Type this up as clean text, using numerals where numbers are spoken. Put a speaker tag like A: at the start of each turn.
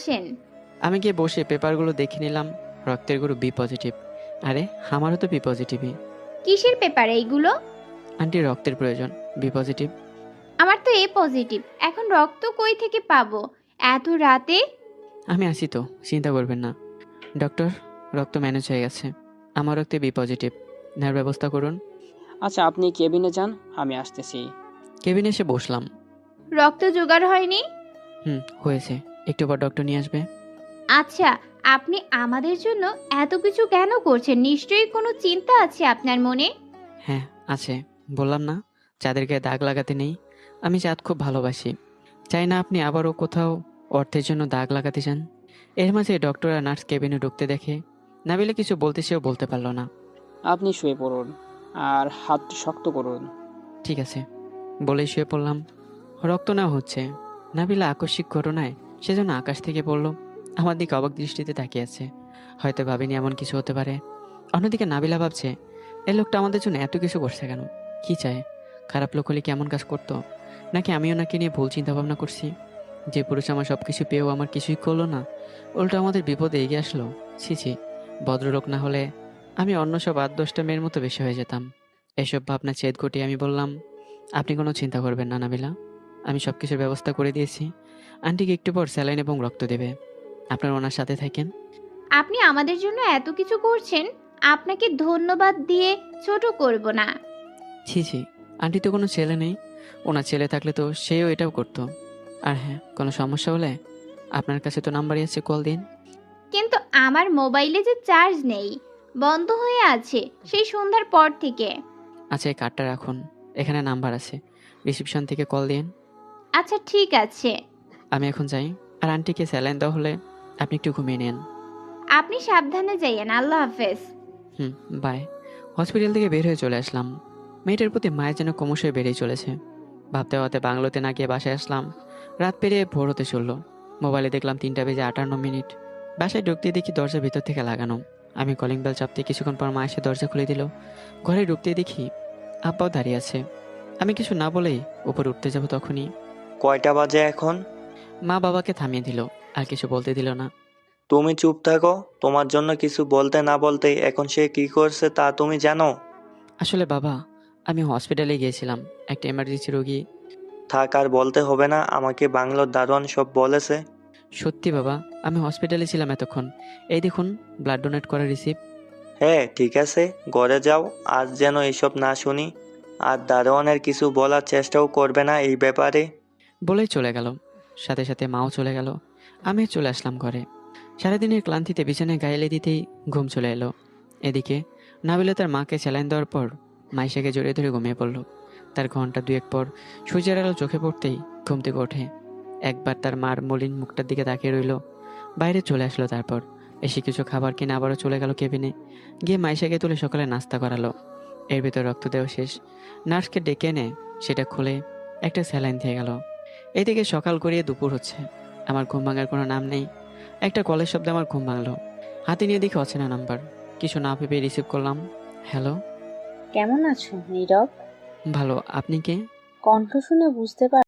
A: আসেন।
B: আমি গিয়ে বসে পেপারগুলো দেখে নিলাম। রক্তের গ্রুপ বি পজিটিভ। আরে, আমারও তো বি পজিটিভই।
A: কিসের পেপার এইগুলো?
B: আন্টি, রক্তের প্রয়োজন, বি পজিটিভ।
A: আমার তো এ পজিটিভ। এখন রক্ত কই থেকে পাবো এত রাতে?
B: আমি আছি তো, চিন্তা করবেন না। ডক্টর, রক্ত ম্যানেজ হয়ে গেছে। আমার রক্তে বি পজিটিভ। নেওয়ার ব্যবস্থা করুন।
C: আচ্ছা, আপনি কেবিনে যান, আমি আসতেছি।
B: কেবিনে এসে বসলাম।
A: রক্ত জোগাড় হয়নি?
B: হয়েছে। একটু পর ডক্টর নিয়ে আসবে।
A: আচ্ছা, আপনি আমাদের জন্য এত কিছু কেন করছেন? নিশ্চয়ই কোনো চিন্তা আছে আপনার মনে।
B: হ্যাঁ, আছে। বললাম না, চাঁদের গায়ে দাগ লাগাতে নেই। আমি চাঁদ খুব ভালোবাসি। চাই না আপনি আবারও কোথাও অর্থের জন্য দাগ লাগাতে চান। এর মাঝে ডক্টর আর নার্স কেবিনে ঢুকতে দেখে নাবিলা কিছু বলতে সেও বলতে পারল না।
C: আপনি শুয়ে পড়ুন আর হাতটি শক্ত করুন।
B: ঠিক আছে বলেই শুয়ে পড়লাম। রক্ত নেওয়া হচ্ছে। নাবিলা আকস্মিক ঘটনায় সেজন্য আকাশ থেকে পড়ল। আমার দিকে অবাক দৃষ্টিতে তাকিয়ে আছে। হয়তো ভাবিনি এমন কিছু হতে পারে। অন্যদিকে নাবিলা ভাবছে, এই লোকটা আমাদের জন্য এত কিছু করছে কেন? কি চায়? খারাপ লোক হলে কেমন কাজ করতো? নাকি আমি ওনাকে নিয়ে ভুল চিন্তা ভাবনা করছি? যে পুরুষ আমার সব কিছু পেয়েও আমার কিছুই করলো না, উল্টো আমাদের বিপদে এগিয়ে আসলো। ছি ছি, ভদ্রলোক না হলে আমি অন্য সব ৮-১০টা মেয়ের মতো বেশি হয়ে যেতাম। এসব ভাবনা ছেদ ঘটিয়ে আমি বললাম, আপনি কোনো চিন্তা করবেন না নাবিলা, আমি সব কিছুর ব্যবস্থা করে দিয়েছি। আন্টিকে একটু পর স্যালাইন এবং রক্ত দেবে। আপনার ওনার সাথে থাকেন।
A: আপনি আমাদের জন্য এত কিছু করছেন, আপনাকে ধন্যবাদ দিয়ে ছোট করব না।
B: ছি ছি, আন্টি তো কোনো ছেলে নেই। ওনার ছেলে থাকলে তো সেও এটাও করতো। আর হ্যাঁ, কোনো সমস্যা হলে আপনার কাছে তো নাম্বারই আছে, কল দিন।
A: কিন্তু আমার মোবাইলে যে চার্জ নেই, বন্ধ হয়ে আছে সেই সন্ধ্যার পর থেকে।
B: আচ্ছা, এই কার্ডটা রাখুন, এখানে নাম্বার আছে, রিসিপশন থেকে কল দিন।
A: আচ্ছা ঠিক আছে।
B: আমি এখন যাই। আর আন্টিকে স্যালাইন দেওয়া হলে আপনি একটু ঘুমিয়ে নেন।
A: আপনি সাবধানে যাইয়েন। আল্লাহ হাফেজ।
B: হুম, বাই। হসপিটাল থেকে বের হয়ে চলে আসলাম। মেয়েটার প্রতি মায়ের যেন ক্রমশই বেড়েই চলেছে। ভাবতে ভাবতে বাংলোতে না গিয়ে বাসায় আসলাম। রাত পেরিয়ে ভোর হতে চলল। মোবাইলে দেখলাম 3:58। বাসায় ঢুকতে দেখি দরজা ভিতর থেকে লাগানো। আমি কলিং বেল চাপতে কিছুক্ষণ পর মা এসে দরজা খুলে দিল। ঘরে ঢুকতে দেখি আব্বাও দাঁড়িয়ে আছে। আমি কিছু না বলেই উপরে উঠতে যাব তখনই
D: কয়টা বাজে এখন?
B: মা বাবাকে থামিয়ে দিল। আর কিছু বলতে দিল না।
D: তুমি চুপ থাকো। তোমার জন্য কিছু বলতে না বলতেই এখন সে কি করছে তা তুমি জানো?
B: আসলে বাবা, আমি হসপিটালে গিয়েছিলাম, একটা এমার্জেন্সি রোগী।
D: থাক, আর বলতে হবে না, আমাকে বাংলোর দারোয়ান সব বলেছে।
B: সত্যি বাবা, আমি হসপিটালে ছিলাম এতক্ষণ। এই দেখুন, ব্লাড ডোনেট করার রিসিপ্ট।
D: হ্যাঁ ঠিক আছে, ঘরে যাও, আজ যেন এসব না শুনি। আর দারোয়ানের কিছু বলার চেষ্টাও করবে না এই ব্যাপারে।
B: বলেই চলে গেল। সাথে সাথে মাও চলে গেল। আমি চলে আসলাম ঘরে। সারাদিনের ক্লান্তিতে বিছানায় গায়েলে দিতেই ঘুম চলে এলো। এদিকে নাবিলা তার মাকে স্যালাইন দেওয়ার পর মাইশাকে জড়িয়ে ধরে ঘুমিয়ে পড়ল। তার ঘন্টা দুয়েক পর সূর্যের আলো চোখে পড়তেই ঘুম থেকে ওঠে। একবার তার মার মলিন মুখটার দিকে তাকিয়ে রইল। বাইরে চলে আসলো। তারপর এসে কিছু খাবার কিনে আবারও চলে গেল কেবিনে। গিয়ে মাইশাকে তুলে সকালে নাস্তা করালো। এর ভিতর রক্ত দেওয়া শেষ। নার্সকে ডেকে এনে সেটা খুলে একটা স্যালাইন দিয়ে গেল। এদিকে সকাল গড়িয়ে দুপুর হচ্ছে। আমার ঘুম ভাঙার কোনো নাম নেই। একটা কলের শব্দে আমার ঘুম ভাঙলো। হাতে নিয়ে দেখি অচেনা নাম্বার। কিছু না ভেবে রিসিভ করলাম। হ্যালো।
E: কেমন আছো নীরব?
B: ভালো, আপনি কে?
E: কণ্ঠ শুনে বুঝতে